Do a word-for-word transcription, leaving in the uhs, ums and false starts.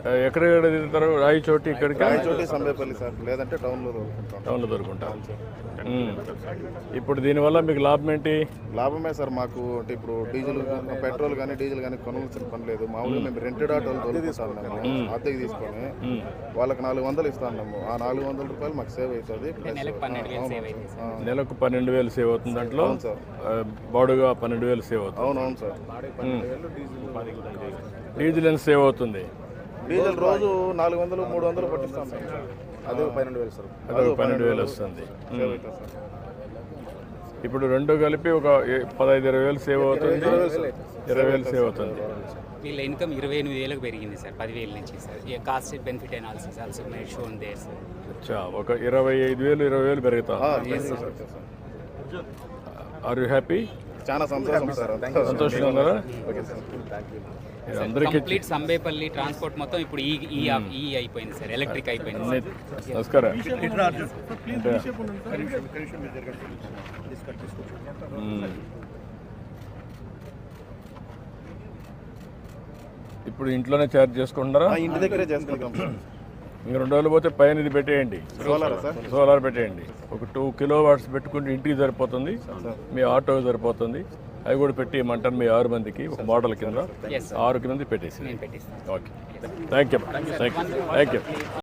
ఎక్కడెక్కడ తిరుగుతారు? రాయచోటి ఇక్కడికి? రాయచోటి, సంబేపల్లి సార్, లేదంటే టౌన్లో దొరుకుతుంటాం. టౌన్లో దొరుకుంటాం. ఇప్పుడు దీనివల్ల మీకు లాభం ఏంటి? లాభమే సార్ మాకు. అంటే ఇప్పుడు డీజిల్ పెట్రోల్ కానీ డీజిల్ కానీ కొనవలసిన పని లేదు. మామూలుగా మేము రెంటెడ్ ఆటోలు దొరుకుతాం అద్దెకి తీసుకొని వాళ్ళకి నాలుగు వందలు ఇస్తాము. ఆ నాలుగు వందల రూపాయలు మాకు సేవ్ అవుతుంది. నెలకు పన్నెండు వేలు సేవ్ అవుతుంది. దాంట్లో బాడుగా పన్నెండు వేలు సేవ్ అవుతుంది. అవునవును సార్. డీజిల్ ఎంత సేవ్ అవుతుంది? డీజిల్ రోజు నాలుగు వందలు మూడు వందలు పట్టిస్తాం. అదే పన్నెండు వేలు సార్. అదే పన్నెండు వేలు వస్తుంది. ఇప్పుడు రెండు కలిపి ఒక పదహైదు ఇరవై వేలు సేవ్ అవుతుంది. ఇరవై వేలు సేవ్ అవుతుంది. వీళ్ళ ఇన్కమ్ ఇరవై ఎనిమిది వేలకు పెరిగింది సార్, పదివేల నుంచి sir. Cost benefit analysis also made shown there sir. అచ్చా, ఒక ఇరవై ఐదు వేలు ఇరవై వేలు పెరుగుతా. Are you happy? చాలా సంతోషం సార్. సంతోషంగా ఉన్నారా? కంప్లీట్ సంబేపల్లి ట్రాన్స్పోర్ట్ మొత్తం ఇప్పుడు ఈ ఈ అయిపోయింది సార్, ఎలక్ట్రిక్ అయిపోయింది. నమస్కారం. ఇప్పుడు ఇంట్లోనే ఛార్జ్ చేసుకుంటారా? ఇంటి దగ్గరే చేసుకుంటాం. ఇంకా రెండు రోజులు పోతే పైన ఇది పెట్టేయండి, సోలార్ పెట్టేయండి. ఒక టూ కిలో వాట్స్ పెట్టుకుంటే ఇంటికి సరిపోతుంది, మీ ఆటోకి సరిపోతుంది. అవి కూడా పెట్టి ఇమ్మంటాను మీ ఆరు మందికి ఒక మోడల్ కింద ఆరు కింద పెట్టేసి. Okay, thank you thank you thank you.